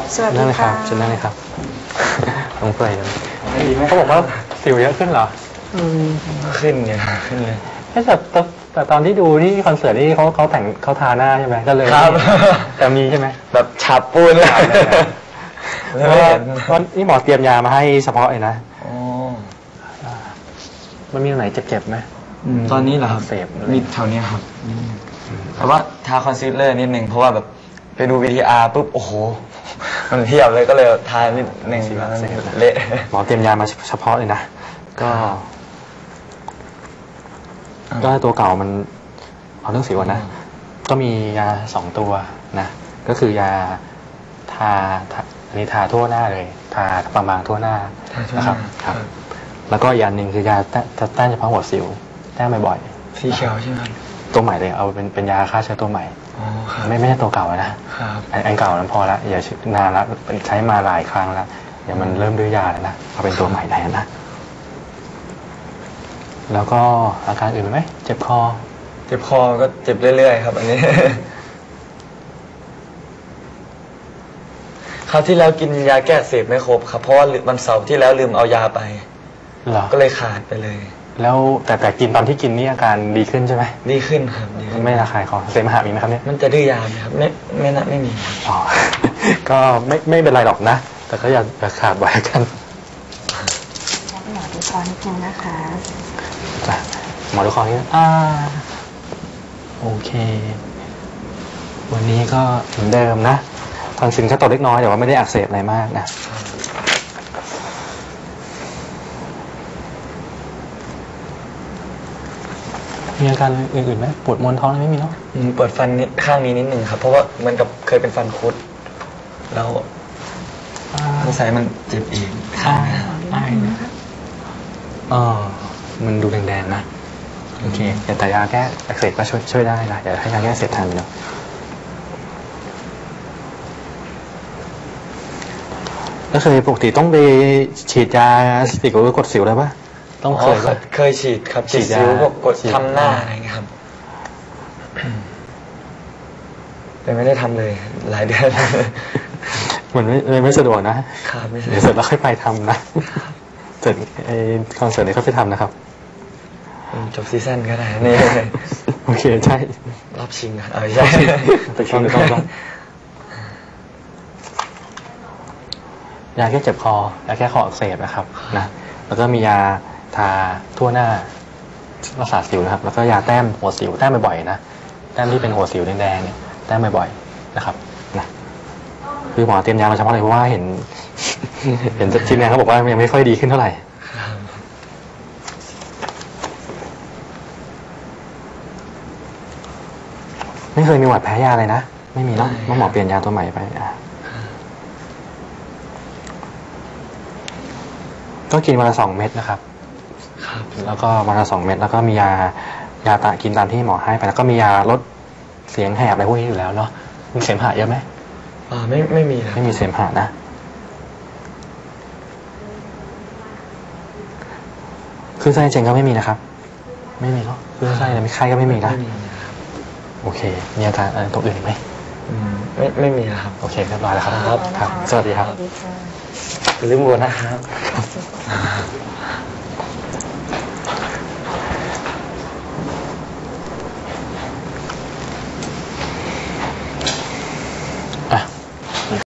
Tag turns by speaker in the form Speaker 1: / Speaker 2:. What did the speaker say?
Speaker 1: สวัสดี
Speaker 2: นั่นเลยค
Speaker 1: ค่ะ
Speaker 2: รับเชิญนั่นเลยครับลงเปลยกันเขาบอกว่าสิวเยอะขึ้นเหรอ
Speaker 3: ขึ้นไงขึ้นเลย
Speaker 2: แต่ตอนที่ดูที่คอนเสิร์ตนี่เขาแต่งเขาทาหน้าใช่ไหมก็เลย
Speaker 3: ครับ
Speaker 2: แต่มีใช่ไหม
Speaker 3: แบบฉับปูนเลย
Speaker 2: เพราะว่านี่หมอเตรียมยามาให้เฉพาะเลยนะ
Speaker 3: อ๋อ
Speaker 2: มันมีตรงไหนเจ็บๆไหม
Speaker 3: ตอนนี้เหรอครับ
Speaker 2: เสพ
Speaker 3: มีแถวเนี้ยครับแต่ว่าทาคอนซีลเลอร์นิดนึงเพราะว่าแบบไปดู VTR ปุ๊บโอ้โหมันเทียบเลยก็เลยทานิดนึงเละ
Speaker 2: หมอเตรียมยามาเฉพาะเลยนะก็ตัวเก่ามันเอาเรื่องสิวก่อนนะก็มียา2 ตัวนะก็คือยาทาอันนี้ทาทั่วหน้าเลยทาบางๆทั่วหน้านะครับครับแล้วก็อีกอันหนึ่งคือยาต้านเฉพาะหัวสิวแต้มบ่อยๆ
Speaker 3: สีเขียวใช่ไหม
Speaker 2: ตัวใหม่เลยเอาเป็นยาฆ่าเชื้อตัวใหม่
Speaker 3: อ๋อครับ
Speaker 2: ไม่ใช่ตัวเก่านะครับอันเก่านั้นพอละอย่านานละใช้มาหลายครั้งแล้วเดี๋ยวมันเริ่มด้วยยาแล้วนะเอาเป็นตัวใหม่แทนนะแล้วก็อาการอื่นไหมเจ็บคอ
Speaker 3: เจ็บคอก็เจ็บเรื่อยๆครับอันนี้ คราวที่แล้วกินยาแก้อักเสพไม่ครบครับเพราะว่าวันเสาร์ที่แล้วลืมเอายาไป
Speaker 2: เหรอ
Speaker 3: ก็เลยขาดไปเลย
Speaker 2: แล้วแต่กินตอนที่กินนี่อาการดีขึ้นใช่ไหม
Speaker 3: ดีขึ้นครับดีขึ้น
Speaker 2: ไม่ระคายคอเสมหะมีไหมครับเนี่ย
Speaker 3: มันจะดื้อยาไหมครับไม่มีครับ
Speaker 2: อ๋อ ก็ไม่เป็นไรหรอกนะแต่ก็อย่าขาดไว้กัน
Speaker 1: หมอดูคอนิดนึงนะคะ
Speaker 2: จ้ะหมอดูคอนี่โอเค วันนี้ก็เหมือนเดิมนะทอนซิลแค่ตกเล็กน้อยแต่ว่าไม่ได้อักเสบอะไรมากนะมีอาการอื่นๆไหมปวดมวนท้องอะไรไม่มีเนาะ
Speaker 3: ปวดฟันข้างนี้นิดนึงครับเพราะว่ามันกับเคยเป็นฟันคุดแล้วสงสัยมันเจ็บอีกข้างนี้ครับ
Speaker 2: มันดูแดงๆนะโอเคแต่ยาแก้อักเสบก็ช่วยได้นะเดี๋ยวให้ยาแก้อักเสบทานเนาะแล้วเคยปกติต้องไปฉีดยาสติกหรือกดสิวอะไรปะต้องเคยปะ
Speaker 3: เคยฉีดครับ
Speaker 2: ฉี
Speaker 3: ฉี
Speaker 2: ด
Speaker 3: ด
Speaker 2: ยา
Speaker 3: ซิ้วพวกกด
Speaker 2: ฉีด
Speaker 3: ทำหน้าอะไรเงี้ยครับ แต่ไม่ได้ทำเลยหลายเดือน
Speaker 2: เหมือนไม่สะดวกนะครับ
Speaker 3: ไม่ใช่
Speaker 2: เดี๋ยวเสร็จแล้วค่อยไปทำนะเสร็จคอนเสิร์ตนี้ค่อยไปทำนะครับ
Speaker 3: จบซีซั่นก็ได้นี่
Speaker 2: โอเคใช่
Speaker 3: รอบชิงอ่ะใช่
Speaker 2: แต่ชิงก็ต้องยาแก้เจ็บคอยาแก้คออักเสบนะครับนะแล้วก็มียาทาทั่วหน้ารักษาสิวนะครับแล้วก็ยาแต้มหัวสิวแต้มบ่อยๆนะแต้มที่เป็นหัวสิวแดงๆเนี่ยแต้มบ่อยๆนะครับนะคือหมอเตรียมยามาเฉพาะเลยเพราะว่าเห็น ทีมงานเขาบอกว่ายังไม่ค่อยดีขึ้นเท่าไหร่ไม่เคยมีหวัดแพ้ยาเลยนะไม่มีเนาะหมอเปลี่ยนยาตัวใหม่ไปก็กินวันละ2 เม็ดนะครับ
Speaker 3: ครับ
Speaker 2: แล้วก็วันละ2 เม็ดแล้วก็มียากินตามที่หมอให้ไปแล้วก็มียาลดเสียงแหบอะไรพวกนี้อยู่แล้วเนาะมีเสมหะเยอะไหม
Speaker 3: ไม่มีครับ
Speaker 2: ไม่มีเสมหะนะคลื่นไส้เจงก็ไม่มีนะครับไม่มีเนาะคลื่นไส้อะไรไม่ไข้ก็ไม่มีนะโอเคมีอาการอะไรตัวอื่นอีกไหม
Speaker 3: ไม่มีนะครับ
Speaker 2: โอเคเรียบร้อยแล้วครับ
Speaker 3: ครับ
Speaker 2: ครับสวัสดีครับ
Speaker 1: สวัสดีค่ะ
Speaker 3: อย่าลืมโหวตนะครับ